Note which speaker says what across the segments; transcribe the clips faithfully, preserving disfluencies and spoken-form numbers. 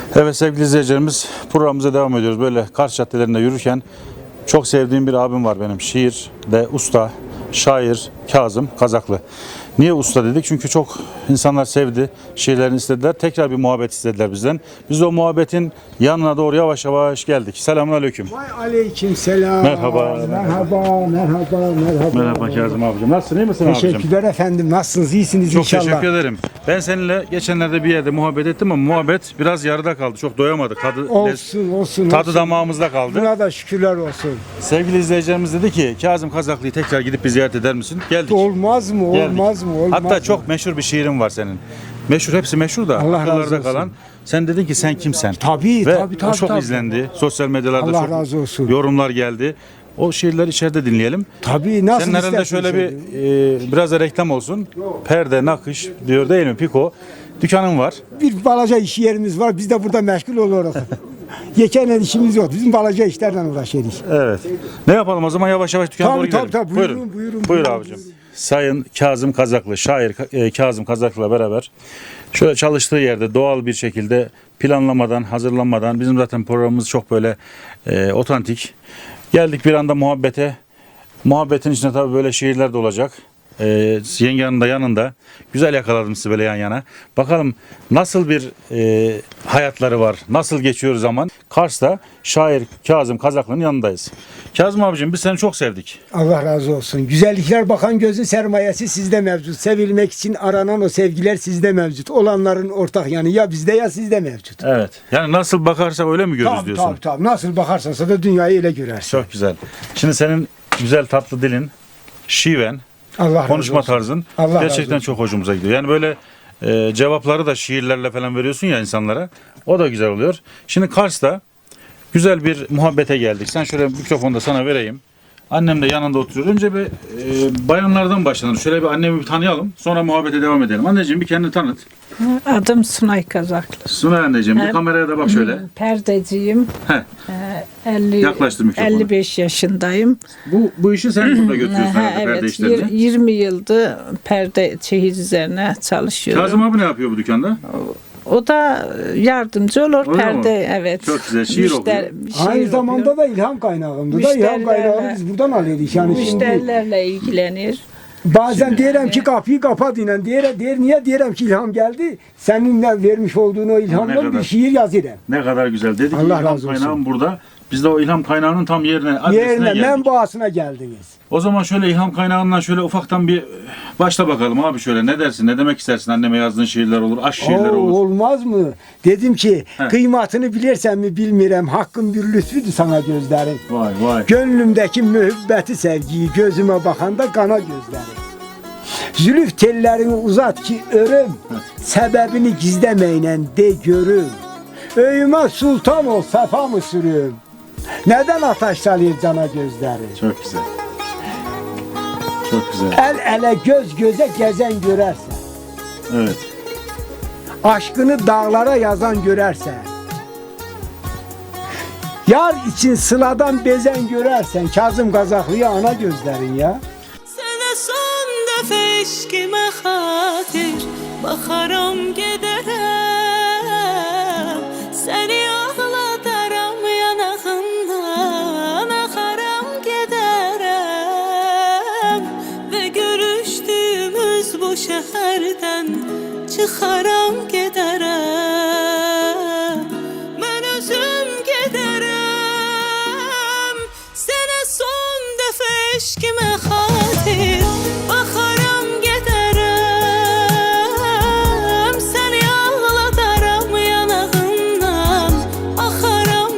Speaker 1: Evet sevgili izleyicilerimiz, programımıza devam ediyoruz. Böyle Kars caddelerinde yürürken çok sevdiğim bir abim var benim. Şiirde usta, şair Kazım Kazaklı. Niye usta dedik? Çünkü çok insanlar sevdi, şiirlerini istediler. Tekrar bir muhabbet istediler bizden. Biz de o muhabbetin yanına doğru yavaş yavaş geldik. Selamünaleyküm.
Speaker 2: Vay aleyküm selam.
Speaker 1: Merhaba.
Speaker 2: Merhaba, merhaba, merhaba.
Speaker 1: Merhaba Kazım abicim. Nasılsın, iyi misin abicim?
Speaker 2: Teşekkürler efendim. Nasılsınız? İyisiniz
Speaker 1: Çok
Speaker 2: inşallah.
Speaker 1: teşekkür ederim. Ben seninle geçenlerde bir yerde muhabbet ettim ama muhabbet biraz yarıda kaldı. Çok doyamadık. Tadı,
Speaker 2: Olsun, olsun.
Speaker 1: tadı
Speaker 2: olsun.
Speaker 1: damağımızda kaldı.
Speaker 2: Buna da şükürler olsun.
Speaker 1: Sevgili izleyicilerimiz dedi ki Kazım Kazaklı'yı tekrar gidip bir ziyaret eder misin? Geldik.
Speaker 2: Olmaz mı?
Speaker 1: Geldik.
Speaker 2: Olmaz mı? Olmaz
Speaker 1: Hatta
Speaker 2: mı?
Speaker 1: çok meşhur bir şiirin var senin. Meşhur, hepsi meşhur da
Speaker 2: Allah razı
Speaker 1: akıllarda
Speaker 2: olsun.
Speaker 1: kalan. Sen dedin ki sen kimsen?
Speaker 2: Tabii,
Speaker 1: Ve
Speaker 2: tabii,
Speaker 1: o
Speaker 2: tabii,
Speaker 1: çok
Speaker 2: tabii.
Speaker 1: izlendi. Sosyal medyalarda
Speaker 2: Allah
Speaker 1: çok
Speaker 2: razı olsun.
Speaker 1: yorumlar geldi. O şiirleri içeride dinleyelim.
Speaker 2: Tabii, nasıl
Speaker 1: Senin herhalde
Speaker 2: isterseniz
Speaker 1: şöyle bir e, biraz da reklam olsun. Perde, nakış diyor değil mi? Piko. Dükkanın var.
Speaker 2: Bir balaca iş yerimiz var. Biz de burada meşgul oluruz. Yekenle işimiz yok. Bizim balaca işlerden uğraşıyoruz.
Speaker 1: Evet. Ne yapalım o zaman, yavaş yavaş dükkana
Speaker 2: Tabii,
Speaker 1: doğru gidelim.
Speaker 2: tabii, tabii. Buyurun, buyurun,
Speaker 1: Buyur
Speaker 2: buyurun.
Speaker 1: abicim. Sayın Kazım Kazaklı, şair e, Kazım Kazaklı'la beraber şöyle çalıştığı yerde doğal bir şekilde planlamadan, hazırlanmadan, bizim zaten programımız çok böyle e, otantik. Geldik bir anda muhabbete. Muhabbetin içinde tabii böyle şiirler de olacak. Ee, yengenin de yanında. Güzel yakaladım sizi böyle yan yana. Bakalım nasıl bir e, hayatları var. Nasıl geçiyor zaman. Kars'ta şair Kazım Kazaklı'nın yanındayız. Kazım abicim biz seni çok sevdik.
Speaker 2: Allah razı olsun. Güzellikler bakan gözün sermayesi sizde mevcut. Sevilmek için aranan o sevgiler sizde mevcut. Olanların ortak yanı ya bizde ya sizde mevcut.
Speaker 1: Evet. Yani nasıl bakarsak öyle mi görürüz
Speaker 2: Tabii,
Speaker 1: diyorsun?
Speaker 2: tabii, tabii. Nasıl bakarsansa da dünyayı öyle görersin.
Speaker 1: Çok güzel. Şimdi senin güzel tatlı dilin, şiven,
Speaker 2: Allah razı
Speaker 1: konuşma
Speaker 2: olsun.
Speaker 1: tarzın
Speaker 2: Allah razı
Speaker 1: gerçekten
Speaker 2: olsun.
Speaker 1: çok hoşumuza gidiyor. Yani böyle e, cevapları da şiirlerle falan veriyorsun ya insanlara. O da güzel oluyor. Şimdi Kars'ta güzel bir muhabbete geldik. Sen şöyle mikrofonu da sana vereyim. Annem de yanında oturuyor. Önce bir e, bayanlardan başlanır. Şöyle bir annemi bir tanıyalım. Sonra muhabbete devam edelim. Anneciğim bir kendini tanıt.
Speaker 3: Adım Sunay Kazaklı.
Speaker 1: Sunay anneciğim bir
Speaker 3: Evet.
Speaker 1: kameraya da bak şöyle.
Speaker 3: Perdeciyim.
Speaker 1: Heh.
Speaker 3: Ee, elli,
Speaker 1: Yaklaştır mikrofonu.
Speaker 3: elli beş yaşındayım.
Speaker 1: Bu bu işi sen burada götürüyorsun
Speaker 3: Ha,
Speaker 1: herhalde, perde
Speaker 3: evet,
Speaker 1: işlerini.
Speaker 3: yir- yirmi yıldır perde çeyiz üzerine çalışıyorum.
Speaker 1: Kazım abi ne yapıyor bu dükkanda?
Speaker 3: O da yardımcı olur
Speaker 1: Öyle
Speaker 3: perde,
Speaker 1: mi?
Speaker 3: evet.
Speaker 1: Çok güzel, şiir okuyor.
Speaker 3: şiir
Speaker 2: Aynı
Speaker 3: okuyor.
Speaker 2: zamanda da ilham kaynağımdı da ilham
Speaker 3: Müşterilerle-
Speaker 2: kaynağı biz buradan alıyoruz. Yani şimdi
Speaker 3: Müşterilerle ilgilenir.
Speaker 2: bazen
Speaker 1: Şimdi-
Speaker 2: diyelim ki kapıyı kapat inen diğer, diğer niye diyelim ki ilham geldi. Seninle vermiş olduğun o
Speaker 1: Ne
Speaker 2: ilhamla
Speaker 1: kadar-
Speaker 2: bir şiir yazıyorum.
Speaker 1: Ne kadar güzel. Dedik ki
Speaker 2: Allah
Speaker 1: ilham
Speaker 2: razı olsun.
Speaker 1: kaynağım burada. Biz de o ilham kaynağının tam yerine, adresine
Speaker 2: Yerine
Speaker 1: geldik.
Speaker 2: menbaasına geldiniz.
Speaker 1: O zaman şöyle ilham kaynağından şöyle ufaktan bir başla bakalım abi şöyle. Ne dersin? Ne demek istersin? Anneme yazdığın şiirler olur, aşk şiirleri
Speaker 2: Oo,
Speaker 1: olur.
Speaker 2: olmaz mı? Dedim ki
Speaker 1: He.
Speaker 2: kıymatını bilirsen mi bilmirem. Hakkın bir lütfüdür sana gözlerim.
Speaker 1: Vay vay.
Speaker 2: Gönlümdeki mühibbeti sevgiyi gözüme bakanda kana gözlerim. Zülüf tellerini uzat ki örüm. Sebebini gizlemeynen de görüm. Öyüme sultan ol sefa mı sürüm? Neden ateş salıyor cana gözleri?
Speaker 1: Çok güzel. Çok güzel.
Speaker 2: El ele göz göze gezen görersen.
Speaker 1: Evet.
Speaker 2: Aşkını dağlara yazan görersen. Yar için sıladan bezen görersen. Kazım Kazaklı'ya ana gözlerin ya.
Speaker 4: Sənə son dəfə eşqimə xatir baxaram gedərəm. Səni ağladaram yanağından axaram gedərəm. Və görüşdüyümüz bu şəhərdən çıxaram gedərəm. Mən özüm gedərəm. Sənə son dəfə eşqimə xatir baxaram gedərəm. Səni ağladaram yanağından axaram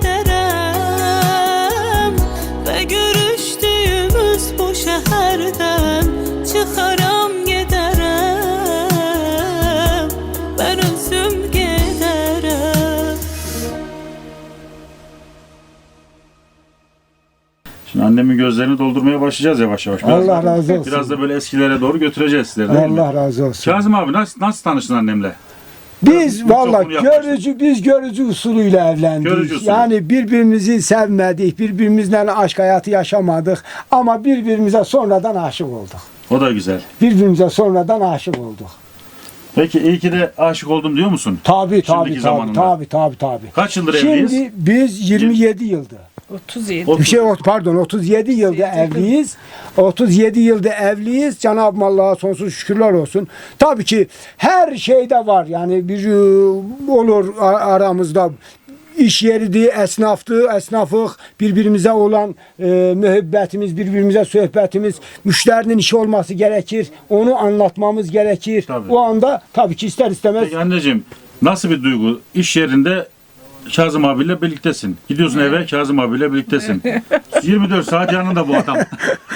Speaker 4: gedərəm. Və görüşdüyümüz bu şəhərdən çıxaram gedərəm. Mən özüm gedərəm.
Speaker 1: Şimdi annemin gözlerini doldurmaya başlayacağız yavaş yavaş. Biraz
Speaker 2: Allah
Speaker 1: da-
Speaker 2: razı olsun.
Speaker 1: Biraz da böyle eskilere doğru götüreceğiz sizleri değil mi?
Speaker 2: Allah razı olsun.
Speaker 1: Kazım abi nasıl, nasıl tanıştın annemle?
Speaker 2: Biz
Speaker 1: Mikrofonu
Speaker 2: valla
Speaker 1: yaklaştır.
Speaker 2: görücü biz görücü usulüyle evlendik.
Speaker 1: Görücü usulü.
Speaker 2: Yani birbirimizi sevmedik, birbirimizle aşk hayatı yaşamadık ama birbirimize sonradan aşık olduk.
Speaker 1: O da güzel.
Speaker 2: Birbirimize sonradan aşık olduk.
Speaker 1: Peki iyi ki de aşık oldum diyor musun?
Speaker 2: Tabii tabii
Speaker 1: Şimdiki
Speaker 2: tabii
Speaker 1: zamanında.
Speaker 2: tabii tabii tabii.
Speaker 1: Kaç yıldır
Speaker 2: Şimdi
Speaker 1: evliyiz?
Speaker 2: biz yirmi yedi yıldır.
Speaker 3: otuz yedi.
Speaker 1: O-
Speaker 2: Bir şey ot- pardon otuz yedi yılda evliyiz. otuz yedi yılda evliyiz. Cenab-ı Allah'a sonsuz şükürler olsun. Tabii ki her şeyde var. Yani bir e, olur a- aramızda iş yeriydi, esnaftı, esnafık, birbirimize olan e, müebbetimiz, birbirimize sohbetimiz, müşterinin işi olması gerekir. Onu anlatmamız gerekir.
Speaker 1: Tabii.
Speaker 2: O anda tabii ki ister istemez
Speaker 1: Peki anneciğim nasıl bir duygu? İş yerinde Kazım abiyle birliktesin. Gidiyorsun eve Kazım abiyle birliktesin. yirmi dört saat yanında bu adam.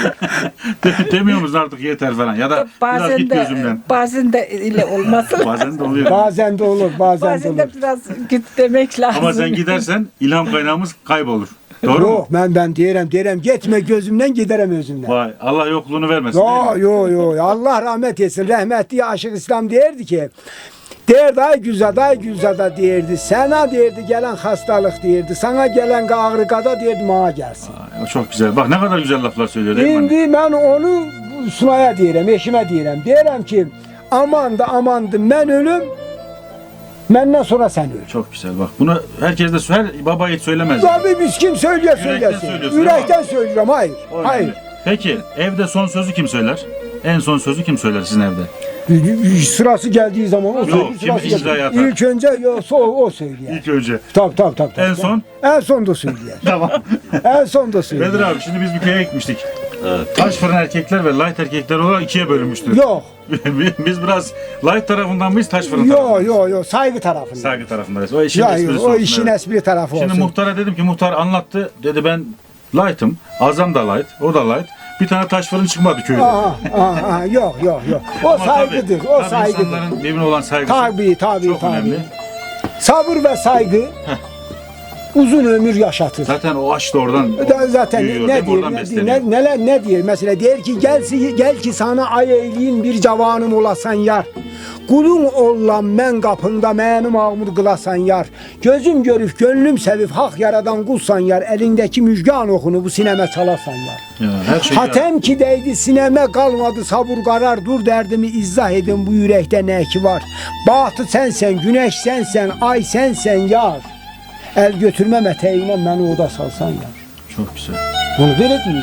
Speaker 1: De- Demiyor musun artık yeter falan ya da biraz
Speaker 3: Bazen
Speaker 1: git
Speaker 3: de
Speaker 1: gözümden.
Speaker 3: bazen de ile olmasın.
Speaker 1: Bazen de oluyor.
Speaker 2: bazen de olur, bazen,
Speaker 3: Bazen
Speaker 2: de olur.
Speaker 3: de biraz git demek lazım.
Speaker 1: Ama sen gidersen ilham kaynağımız kaybolur. Doğru mu?
Speaker 2: Yok ben ben diyelim diyelim gitme gözümden giderim özümden.
Speaker 1: Vay Allah yokluğunu vermesin. değil
Speaker 2: Yo
Speaker 1: mi?
Speaker 2: yo yo Allah rahmet etsin. Rahmetli Aşık İslam derdi ki derdi ay güzada ay güzada derdi. Sana derdi gelen hastalık derdi. Sana gelen ağrı kada derdi bana gelsin.
Speaker 1: Ay, o çok güzel. Bak ne kadar güzel laflar söylüyor değil mi anne?
Speaker 2: Şimdi ben onu Sunay'a diyelim, eşime diyelim. Diyelim ki aman da amandı ben ölüm. Benden sonra sen öl.
Speaker 1: Çok güzel bak. Bunu herkes de her baba yiğit söylemez.
Speaker 2: Tabii biz kim söylüyor
Speaker 1: Yürekten
Speaker 2: söylesin.
Speaker 1: söylüyorsun,
Speaker 2: Yürekten söylüyorum hayır.
Speaker 1: O önemli.
Speaker 2: Hayır.
Speaker 1: Peki evde son sözü kim söyler? En son sözü kim söyler sizin evde?
Speaker 2: Sırası geldiği zaman o
Speaker 1: Yok,
Speaker 2: söylüyor.
Speaker 1: kim
Speaker 2: sırası
Speaker 1: icraya
Speaker 2: geldiği-
Speaker 1: atar?
Speaker 2: İlk önce yoksa o, o söylüyor.
Speaker 1: İlk önce.
Speaker 2: Tabii tabii tabii. tabii.
Speaker 1: En son?
Speaker 2: En son da söylüyor.
Speaker 1: Tamam.
Speaker 2: En son da söylüyor.
Speaker 1: Bedir abi şimdi biz bir köye gitmiştik. Taş fırın erkekler ve light erkekler olarak ikiye bölünmüştür.
Speaker 2: Yok.
Speaker 1: Biz biraz light tarafından mıyız taş fırın tarafından?
Speaker 2: Yok yok yok saygı tarafında.
Speaker 1: Saygı tarafındayız. O işin
Speaker 2: Ya,
Speaker 1: esprisi
Speaker 2: yok, o
Speaker 1: olsun,
Speaker 2: işin
Speaker 1: evet.
Speaker 2: espri tarafı
Speaker 1: Şimdi
Speaker 2: olsun.
Speaker 1: muhtara dedim ki muhtar anlattı. Dedi ben light'ım. Azam da light. O da light. Bir tane taş fırın çıkmadı köyde.
Speaker 2: Aha, aha, aha, yok yok yok. O
Speaker 1: Ama
Speaker 2: saygıdır.
Speaker 1: tabii,
Speaker 2: o
Speaker 1: tabii
Speaker 2: saygıdır.
Speaker 1: insanların birbirine olan saygısı
Speaker 2: Tabii tabii
Speaker 1: çok
Speaker 2: tabii.
Speaker 1: önemli.
Speaker 2: Sabır ve saygı uzun ömür yaşatır.
Speaker 1: Zaten o aşk da oradan
Speaker 2: Da Zaten
Speaker 1: büyüyor,
Speaker 2: ne
Speaker 1: değil mi?
Speaker 2: diyor,
Speaker 1: Oradan
Speaker 2: ne,
Speaker 1: besleniyor.
Speaker 2: ne, neler ne diyor mesela der ki gel, gel ki sana ay eyleyim bir cavanım olasan yar. Kulun olan men kapında mənim ağmur kılasan yar. Gözüm görüp gönlüm sevip hak yaradan kulsan yar. Elindeki müjgan okunu bu sineme çalasan yar.
Speaker 1: Ya, her şey
Speaker 2: Hatem ki değdi sineme kalmadı sabır karar dur derdimi izah edin bu yürekte ne ki var. Bahtı sensen güneş sensen ay sensen yar. El götürmem eteğine beni oda salsan yar.
Speaker 1: çok güzel.
Speaker 2: Bunu böyle diyor.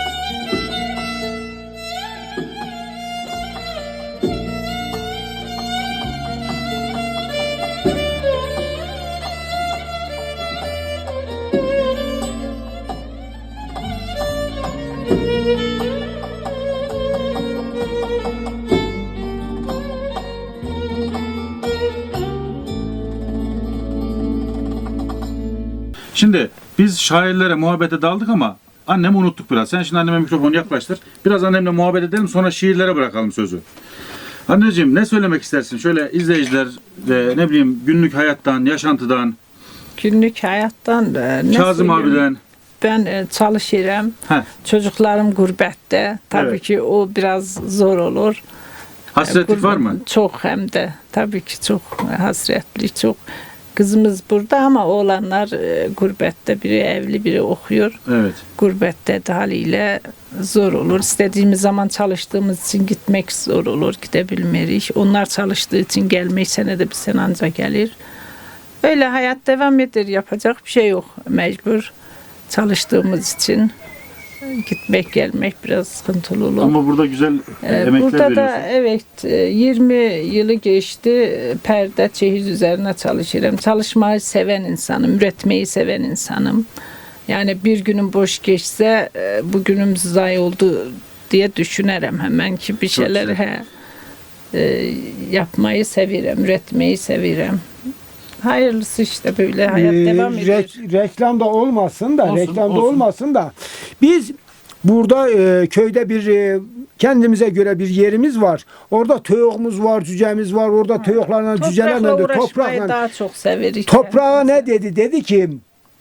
Speaker 1: Şimdi biz şairlere muhabbete daldık ama annemi unuttuk biraz. Sen şimdi anneme mikrofonu yaklaştır. Biraz annemle muhabbet edelim sonra şiirlere bırakalım sözü. Anneciğim ne söylemek istersin? Şöyle izleyiciler ve ne bileyim günlük hayattan, yaşantıdan,
Speaker 3: Günlük hayattan e, ne
Speaker 1: Kazım
Speaker 3: söyleyeyim?
Speaker 1: abiden.
Speaker 3: Ben e, çalışıyorum.
Speaker 1: Heh,
Speaker 3: Çocuklarım gurbette. Tabii
Speaker 1: Evet.
Speaker 3: ki o biraz zor olur.
Speaker 1: hasretlik var
Speaker 3: Gurbet-
Speaker 1: mı?
Speaker 3: Çok hem de. Tabii ki çok hasretli, çok. Kızımız burada ama oğlanlar e, gurbette. Biri evli, biri okuyor.
Speaker 1: Evet.
Speaker 3: Gurbette de haliyle zor olur. İstediğimiz zaman çalıştığımız için gitmek zor olur. Gidebilmeyiz. Onlar çalıştığı için gelmek senede bir sene ancak gelir. Öyle hayat devam eder. Yapacak bir şey yok. Mecbur çalıştığımız için gitmek gelmek biraz sıkıntılı olur.
Speaker 1: Ama burada güzel
Speaker 3: Ee,
Speaker 1: emekler
Speaker 3: Burada da
Speaker 1: veriyorsun.
Speaker 3: evet e, yirmi yılı geçti perde çeyiz üzerine çalışıyorum. Çalışmayı seven insanım, üretmeyi seven insanım. Yani bir günüm boş geçse e, bugünüm zayi oldu diye düşünürüm hemen ki bir
Speaker 1: Çok
Speaker 3: şeyler
Speaker 1: güzel.
Speaker 3: he, e, yapmayı severim, üretmeyi severim. Hayırlısı işte böyle hayat
Speaker 2: Ee,
Speaker 3: devam ediyor.
Speaker 2: rek- reklamda olmasın da,
Speaker 1: Olsun,
Speaker 2: reklamda
Speaker 1: olsun.
Speaker 2: olmasın da biz burada e, köyde bir e, kendimize göre bir yerimiz var. Orada töğümüz var, cücemiz var. Orada töğüklerle, cücelerle
Speaker 3: Toprakla
Speaker 2: de
Speaker 3: uğraşmayı
Speaker 2: toprakla.
Speaker 3: daha çok severiz.
Speaker 2: Toprağa ne dedi? Dedi ki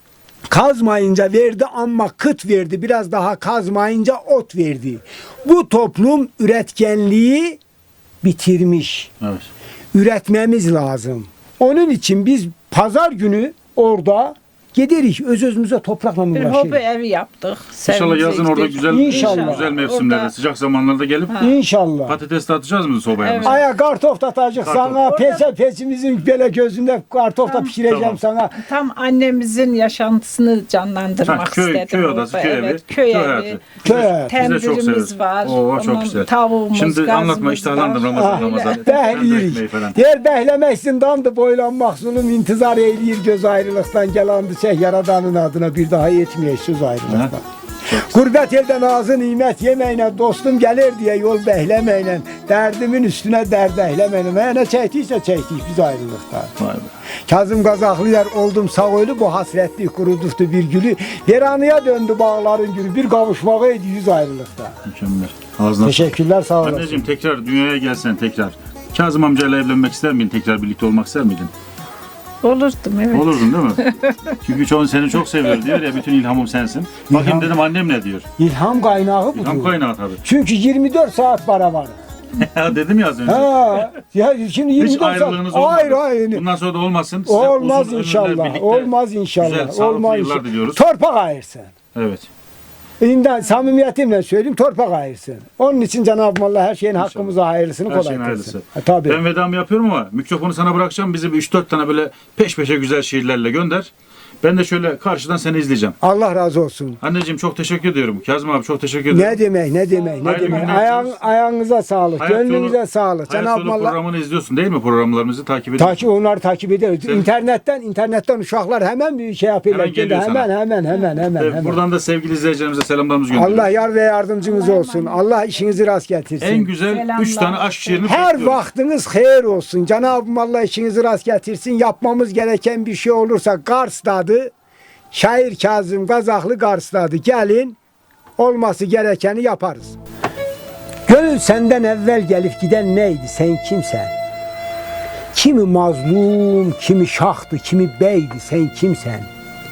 Speaker 2: kazmayınca verdi ama kıt verdi. Biraz daha kazmayınca ot verdi. Bu toplum üretkenliği bitirmiş.
Speaker 1: Evet.
Speaker 2: Üretmemiz lazım. Onun için biz pazar günü orada Giderik öz özümüze toprakla
Speaker 3: Bir
Speaker 2: uğraşırız.
Speaker 3: hobi evi yaptık.
Speaker 1: İnşallah yazın orada
Speaker 3: Sevecektik.
Speaker 1: güzel
Speaker 2: İnşallah.
Speaker 1: güzel mevsimlerde,
Speaker 3: Orada-
Speaker 1: sıcak zamanlarda gelip
Speaker 2: İnşallah.
Speaker 1: patates de atacağız mı sobaya?
Speaker 3: Evet.
Speaker 1: mesela?
Speaker 2: Aya kartof da atacak
Speaker 1: Kartof.
Speaker 2: sana.
Speaker 3: Orada-
Speaker 2: Pese pesimizin böyle gözünde kartof da pişireceğim
Speaker 1: Tamam.
Speaker 2: sana.
Speaker 3: Tam annemizin yaşantısını canlandırmak
Speaker 1: Ha, köy-
Speaker 3: istedim.
Speaker 1: köy odası,
Speaker 3: orada.
Speaker 1: köy evi,
Speaker 3: Evet, köy,
Speaker 1: köy
Speaker 3: evi.
Speaker 1: hayatı.
Speaker 2: Köy hayatı.
Speaker 1: Biz de çok severiz.
Speaker 3: Tendirimiz var.
Speaker 1: Oo, çok
Speaker 3: ondan
Speaker 1: güzel.
Speaker 3: Tavuğumuz,
Speaker 1: Şimdi
Speaker 3: gazımız
Speaker 1: anlatma,
Speaker 3: var.
Speaker 1: iştahlandım Ramazan,
Speaker 2: Ah,
Speaker 1: Ramazan.
Speaker 2: Behliyirik. Diğer behlemek zindandı boylanmak zulüm intizar eyleyir göz ayrılıktan gelandı çeh yaradanın adına bir daha yetmiyor söz ayrılıktan. Gurbet elden ağzı nimet yemeyle dostum gelir diye yol behlemeyle derdimin üstüne dert ehlemeyle ne çektiyse çektik biz ayrılıktan.
Speaker 1: Vay be.
Speaker 2: Kazım Kazaklı yer oldum sağ ölü bu hasretli kuruduftu bir gülü. Veranıya döndü bağların gülü bir kavuşmağıydı yüz ayrılıkta.
Speaker 1: Mükemmel. Ağzına
Speaker 2: Teşekkürler sağ olasın.
Speaker 1: Anneciğim tekrar dünyaya gelsen tekrar. Kazım amcayla evlenmek ister miydin? Tekrar birlikte olmak ister miydin?
Speaker 3: Olurdum evet.
Speaker 1: Olurdun değil mi? Çünkü çoğun seni çok seviyor diyor ya, bütün ilhamım sensin. Bakayım
Speaker 2: İlham.
Speaker 1: dedim annem ne diyor?
Speaker 2: İlham kaynağı budur.
Speaker 1: İlham kaynağı tabii.
Speaker 2: Çünkü yirmi dört saat para var.
Speaker 1: Dedim ya az önce.
Speaker 2: Ha, ya şimdi yirmi
Speaker 1: Hiç
Speaker 2: dört saat.
Speaker 1: ayrılığınız olmadı.
Speaker 2: Hayır hayır.
Speaker 1: Bundan sonra da olmasın. Size
Speaker 2: Olmaz
Speaker 1: uzun ömürler
Speaker 2: inşallah.
Speaker 1: birlikte
Speaker 2: Olmaz inşallah.
Speaker 1: Güzel, sağlıklı
Speaker 2: Olmaz
Speaker 1: yıllar
Speaker 2: inşallah.
Speaker 1: diliyoruz.
Speaker 2: Torpak ayırsın.
Speaker 1: Evet.
Speaker 2: İnden samimiyetimle söyleyeyim torpak ayırsın. Onun için Cenab-ı Allah her şeyin hakkımıza hayırlısını
Speaker 1: Her
Speaker 2: kolay
Speaker 1: şeyin
Speaker 2: kılsın.
Speaker 1: hayırlısı.
Speaker 2: Ha, tabii.
Speaker 1: Ben vedamı yapıyorum ama mikrofonu sana bırakacağım. Bizi bir üç dört tane böyle peş peşe güzel şiirlerle gönder. Ben de şöyle karşıdan seni izleyeceğim.
Speaker 2: Allah razı olsun.
Speaker 1: Anneciğim çok teşekkür ediyorum. Kazım abi çok teşekkür ederim.
Speaker 2: Ne demek ne demek ne
Speaker 1: Hayırlı
Speaker 2: demek.
Speaker 1: günler
Speaker 2: Ayağın,
Speaker 1: diliyoruz.
Speaker 2: ayağınıza sağlık.
Speaker 1: Hayat
Speaker 2: Gönlünüze
Speaker 1: Yolu-
Speaker 2: sağlık.
Speaker 1: Hayat
Speaker 2: Cenab-ı
Speaker 1: Yolu
Speaker 2: Allah
Speaker 1: programını izliyorsun değil mi? Programlarımızı takip ediyorsun.
Speaker 2: takip onları takip ediyoruz.
Speaker 1: Sen-
Speaker 2: İnternetten internetten uşaklar hemen bir şey yapıyorlar.
Speaker 1: Hemen geliyor
Speaker 2: hemen,
Speaker 1: sana.
Speaker 2: hemen hemen hemen
Speaker 1: Ve
Speaker 2: hemen.
Speaker 1: buradan da sevgili izleyicilerimize selamlarımızı gönderiyoruz.
Speaker 2: Allah yar ve yardımcınız olsun. Allah işinizi rast getirsin.
Speaker 1: En güzel
Speaker 3: Selamlar.
Speaker 1: üç tane aşk şiirini
Speaker 2: Her
Speaker 1: bekliyoruz.
Speaker 2: vaktiniz hayır olsun. Cenab-ı Allah işinizi rast getirsin. Yapmamız gereken bir şey olursa Kars'tadı. Şair Kazım Kazaklı Kars'tadı. Gelin olması gerekeni yaparız. Gönül senden evvel gelip giden neydi? Sen kimsen? Kimi mazlum, kimi şahtı, kimi beydi? Sen kimsen?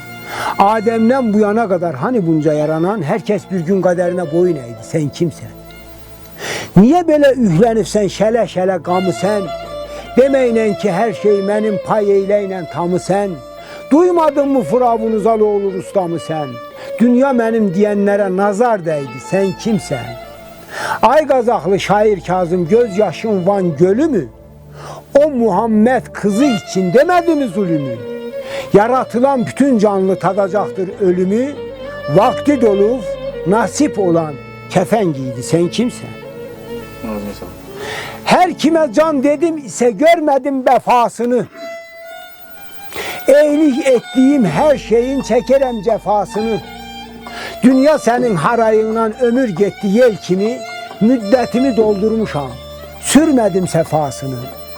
Speaker 2: Adem'den bu yana kadar hani bunca yaranan herkes bir gün kaderine boyun eğdi. Sen kimsen? Niye böyle ühlenip sen şele şele gamı sen? Demeyle ki her şey benim pay eyleyle tamı sen. Duymadın mı Firavun Zaloğlu ustamı sen? Dünya benim diyenlere nazar değdi. Sen kimsen? Ay Kazaklı şair Kazım gözyaşın Van Gölü mü? O Muhammed kızı için demedi mi zulümü? Yaratılan bütün canlı tadacaktır ölümü. Vakti dolup nasip olan kefen giydi. Sen kimsen?
Speaker 1: Ağzına sağlık.
Speaker 2: Her kime can dedim ise görmedim vefasını. Eylik ettiğim her şeyin çekerem cefasını. Dünya senin harayından ömür gitti yel kimi, müddetimi doldurmuşam, sürmedim sefasını.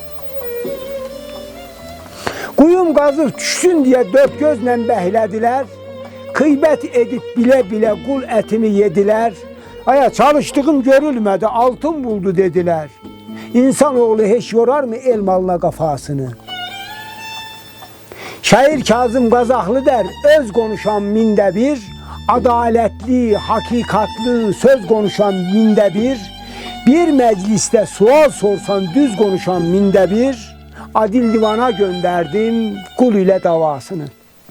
Speaker 2: Kuyum kazıp düşsün diye dört gözle behlediler, kıybet edip bile bile kul etimi yediler. Aya çalıştığım görülmedi, altın buldu dediler. İnsanoğlu hiç yorar mı el malına kafasını? Şair Kazım Kazaklı der, öz konuşan minde bir, adaletli, hakikatlı söz konuşan minde bir, bir mecliste sual sorsan düz konuşan minde bir, adil divana gönderdim kul ile davasını.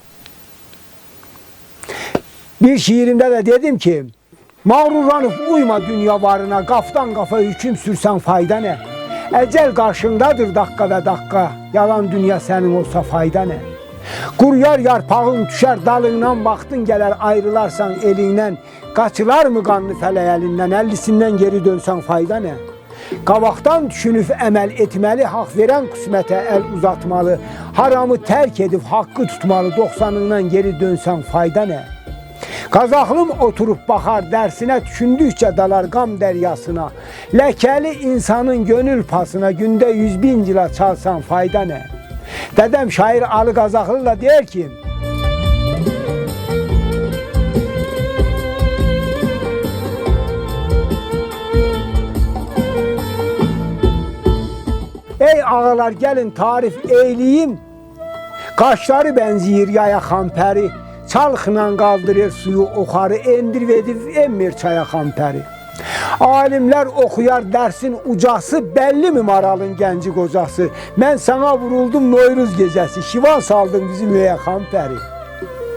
Speaker 2: Bir şiirimde de dedim ki, mağrurlanıp uyma dünya varına, kaftan kafa hüküm sürsen fayda ne? Ecel karşındadır dakika ve dakika, yalan dünya senin olsa fayda ne? Kuryar yarpağın düşer dalından, baktın geler ayrılarsan elinden, kaçılar mı kanlı fele elinden, ellisinden geri dönsen fayda ne? Kavaktan düşünüp emel etmeli, hak veren kısmete el uzatmalı, haramı terk edip hakkı tutmalı, doksanından geri dönsen fayda ne? Kazaklım oturup bakar dersine, düşündükçe dalar gam deryasına, lekeli insanın gönül pasına, günde yüz bin cila çalsan fayda ne? Dedem şair Ali Kazaklı da der ki, ey ağalar gelin tarif eyleyeyim, kaşları benziyor yaya kamperi, çalkınan kaldırır suyu okarı, endir vedif emmir çaya kamperi. Alimler okuyar dersin ucası, belli mi maralın genci kocası? Ben sana vuruldum Noyruz gecesi, şivan saldın bizim öye kamperi.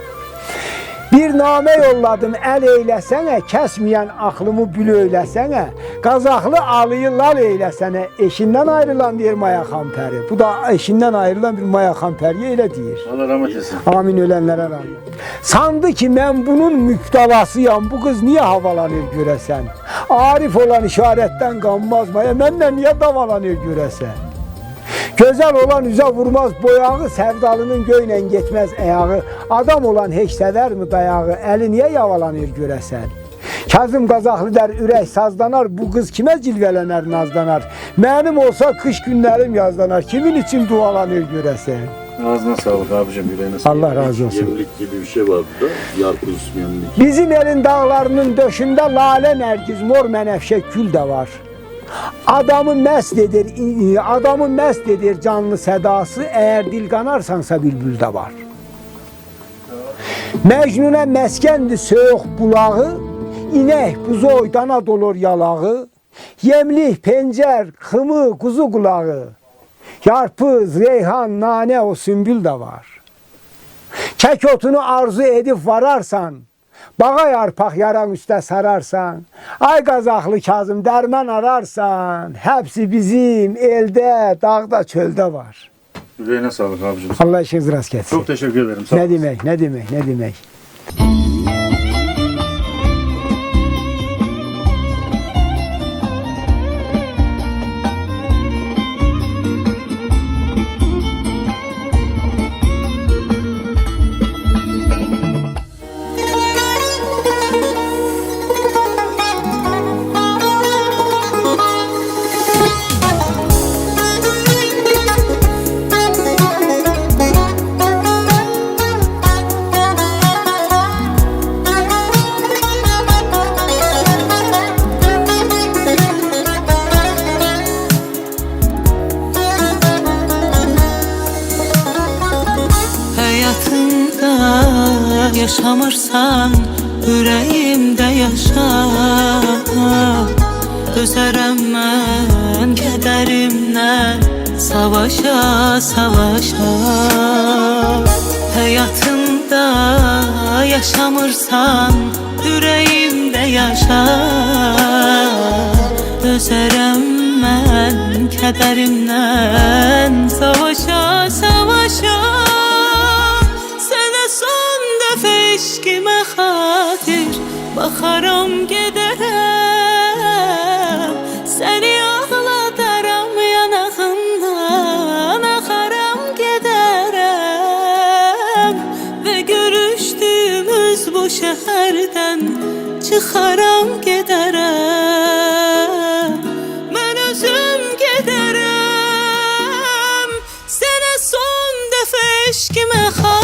Speaker 2: Bir namə yolladım əl eyləsənə, kəsməyən aklımı bül eyləsənə, Qazaxlı alıyı lal eyləsənə, eşindən ayrılan deyir Maya Xampəri. Bu da eşindən ayrılan bir Maya Xampəriyə elə deyir.
Speaker 1: Allah rahmet etsin.
Speaker 2: Amin, ölənlərə rəhmət. Sandı ki mən bunun müptelasıyam, bu qız niyə havalanır görəsən? Arif olan işarətdən qanmaz Maya, mənlə niyə davalanır görəsən? Gözəl olan üzə vurmaz boyağı, sevdalının göylə getməz əyağı. Adam olan heç sevər mi dayağı, əli niyə yavalanır görəsən? Kazım Qazaxlı der ürək sazlanar, bu qız kimə cilvələnər nazlanar? Mənim olsa qış günlərim yazlanar, kimin için dualanır görəsən?
Speaker 1: Ağzına sağlık abicim, yüreğine sağlık.
Speaker 2: Allah razı olsun.
Speaker 5: Yemlik gibi bir şey var burada. Yarpuz yemlik.
Speaker 2: Bizim elin dağlarının döşündə lalə nərgiz, mor mənəfşə gül də var. Adamı məst edir, adamı məst edir canlı sədası, əgər dil qanarsansa bülbül də var. Məcnunə məskəndir soyuq bulağı, inək buzu oydana dolur yalağı, yemlik, pencər, xımı, kuzu qulağı, yarpız, reyhan, nanə, o sümbül də var. Kək otunu arzu edib vararsan, bağa yarpaq yaran üstə sararsan, ay Qazaxlı Kazım dərman ararsan, hepsi bizim elde, dağda, çöldə var.
Speaker 1: Yüreğine sağlık abicim.
Speaker 2: Allah işiniz rast getsin.
Speaker 1: Çok teşekkür ederim. Sağ
Speaker 2: Ne
Speaker 1: olun.
Speaker 2: demek, ne demek, ne demek.
Speaker 4: Hayatımda yaşamırsan yüreğimde yaşa. Dözərəm mən kədərimlə savaşa, savaşa. Hayatımda yaşamırsan yüreğimde yaşa. Dözərəm mən kədərimlə savaşa, savaşa. Eşkime xatir baxaram gedərəm, səni ağladaram yanağından axaram gedərəm və görüşdüyümüz bu şəhərdən çıxaram gedərəm. Mən özüm gedərəm, sənə son dəfə eşkime xatir